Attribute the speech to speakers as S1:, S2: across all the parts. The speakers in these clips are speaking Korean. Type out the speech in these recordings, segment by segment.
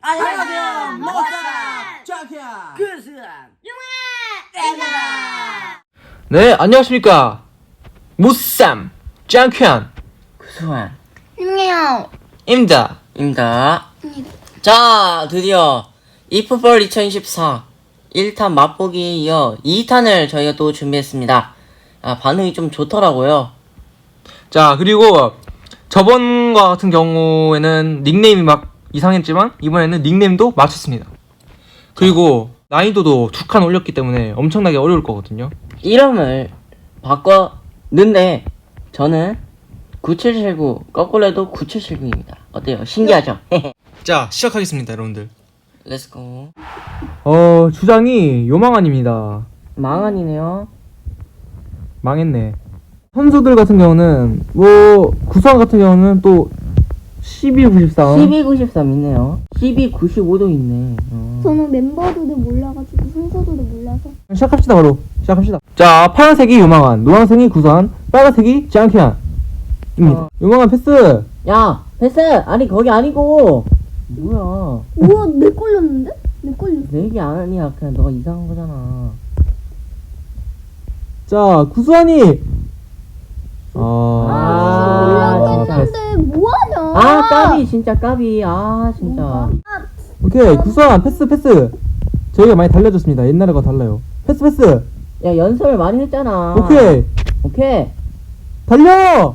S1: 안녕하세요. 모사 짱키야 그수한 용아
S2: 네, 안녕하십니까. 무쌈 짱큐안
S3: 구수한
S4: 윤미야
S2: 입니다.
S3: 자, 드디어 이프볼 2024 1탄 맛보기에 이어 2탄을 저희가 또 준비했습니다. 반응이 좀 좋더라고요.
S2: 자, 그리고 저번과 같은 경우에는 닉네임이 막 이상했지만 이번에는 닉네임도 맞췄습니다. 그리고 난이도도 2칸 올렸기 때문에 엄청나게 어려울 거거든요.
S3: 이름을 바꿨는데 저는 9779 거꾸로 해도 9779입니다. 어때요? 신기하죠?
S2: 자, 시작하겠습니다, 여러분들.
S3: 렛츠고.
S2: 주장이 요망한입니다.
S3: 망한이네요.
S2: 망했네. 선수들 같은 경우는 구성 같은 경우는 또 1293
S3: 1293 있네요. 1295도 있네.
S4: 저는 멤버들도 몰라가지고 순서도 몰라서
S2: 시작합시다. 바로 시작합시다. 자, 파란색이 요망한, 노란색이 구선, 빨간색이 짱키안 입니다. 요망한 패스.
S3: 야, 패스! 아니 거기 아니고. 뭐야?
S4: 우와 내 걸렸는데? 내 걸렸어.
S3: 내 얘기 아니야. 그냥 너가 이상한 거잖아.
S2: 자, 구수한이
S4: 몰라고 했는데 뭐하냐?
S3: 까비 진짜 까비. 진짜.
S2: 오케이, 구수한 패스. 저희가 많이 달라졌습니다. 옛날과 달라요. 패스.
S3: 야, 연습을 많이 했잖아.
S2: 오케이 달려.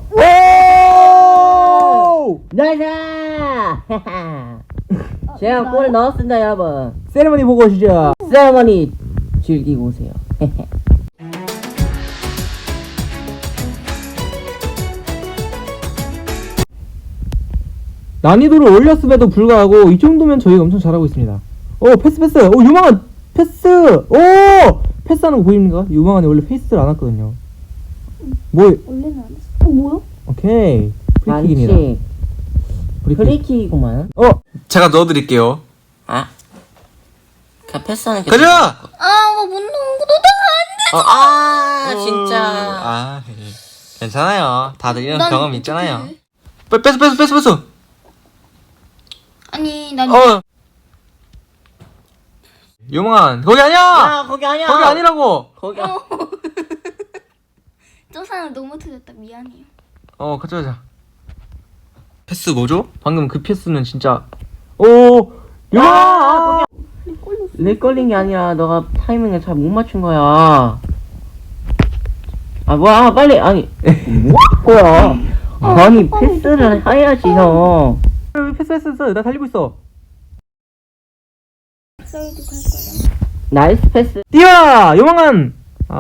S2: 오!
S3: 나이스! 제가 골을 넣었습니다, 여러분.
S2: 세레머니 보고 오시죠.
S3: 세레머니 즐기고 오세요.
S2: 난이도를 올렸음에도 불구하고 이 정도면 저희가 엄청 잘하고 있습니다. 패스. 유망한 패스. 패스하는 거 보입니까? 유망한이 원래 패스를 안 했거든요.
S4: 원래는 안 했어. 뭐야?
S2: 오케이. 프리킥입니다.
S3: 반칙. 프리킥이구만.
S2: 제가 넣어드릴게요.
S3: 그냥 패스하는 게.
S2: 가자!
S4: 못 넣은 거
S3: 진짜.
S2: 괜찮아요. 다들 이런
S4: 난
S2: 경험
S4: 어떡해.
S2: 있잖아요. 패스.
S4: 아니 난
S2: 유망한, 거기 아니야!
S3: 야, 거기 아니야.
S2: 거기 아니라고!
S3: 거기야.
S4: 저 사람 너무 틀렸다. 미안해요.
S2: 가자. 패스 뭐죠? 방금 그 패스는 진짜. 유망한!
S3: 렉 걸린 게 아니라 너가 타이밍을 잘 못 맞춘 거야. 뭐야, 빨리. 아니, 뭐 할 거야? 아니, 패스를 해야지, 형.
S2: 패스. 나 달리고 있어.
S4: 사이드 갈 거야.
S3: 나이스 패스.
S2: 뛰어! 유망한!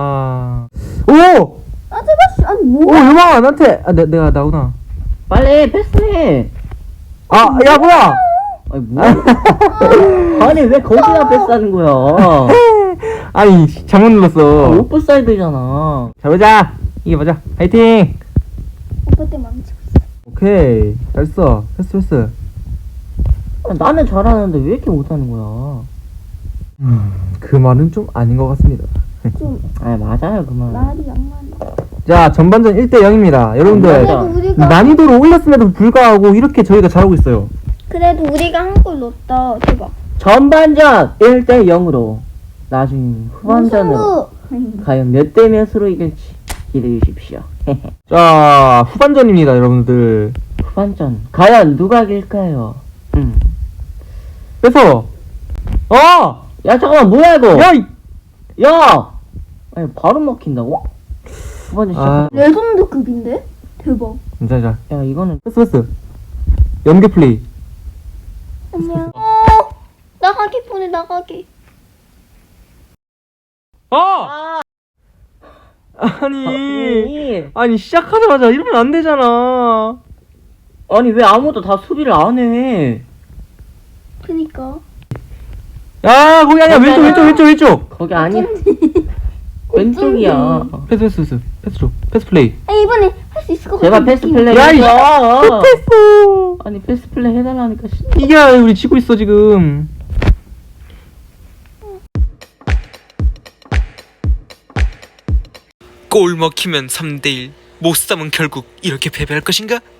S4: 제발 아니 뭐?
S2: 유망한, 나한테! 내가 나구나.
S3: 빨리 패스해.
S2: 야, 뭐야!
S3: 아니, 뭐야? 아니, 왜 거기다 패스하는 거야?
S2: 아니, 잘못 눌렀어.
S3: 오프사이드잖아.
S2: 자, 보자. 이겨보자. 화이팅!
S4: 오빠 때 망치고 있어.
S2: 오케이. 잘했어. 패스.
S3: 나는 잘하는데 왜 이렇게 못하는 거야?
S2: 그 말은 좀 아닌 것 같습니다.
S4: 좀
S3: 맞아요, 그만.
S4: 말이 양말.
S2: 자, 전반전 1대 0입니다. 여러분들,
S3: 맞아.
S4: 우리가
S2: 난이도를 올렸음에도 불구하고 이렇게 저희가 잘하고 있어요.
S4: 그래도 우리가 한 골 넣었다. 대박.
S3: 전반전 1대 0으로 나중에 후반전으로 과연 몇 대 몇으로 이길지 기대해 주십시오.
S2: 자, 후반전입니다, 여러분들.
S3: 후반전 과연 누가 이길까요?
S2: 뺏어!
S3: 야, 잠깐만, 뭐야 이거?
S2: 야!
S3: 야! 아니, 바로 먹힌다고? 후반전 시작.
S4: 레전드급인데? 대박.
S2: 자.
S3: 야, 이거는
S2: 패스. 연계 플레이.
S4: 안녕. 나가기 보내 나가기.
S2: 아니, 시작하자마자 이러면 안 되잖아.
S3: 아니, 왜 아무도 다 수비를 안 해?
S4: 그니까.
S2: 야, 거기 아니야. 왼쪽.
S3: 거기 아니. 왼쪽이야.
S2: 패스 줘. 패스 플레이.
S4: 이번에 할 수 있을 것 같아.
S3: 제발 패스 플레이.
S2: 야,
S3: 해줘.
S2: 패스!
S3: 아니, 패스 플레이 해달라니까.
S2: 이게 우리 지고 있어, 지금.
S5: 골 먹히면 3대1 못 삼은 결국 이렇게 패배할 것인가?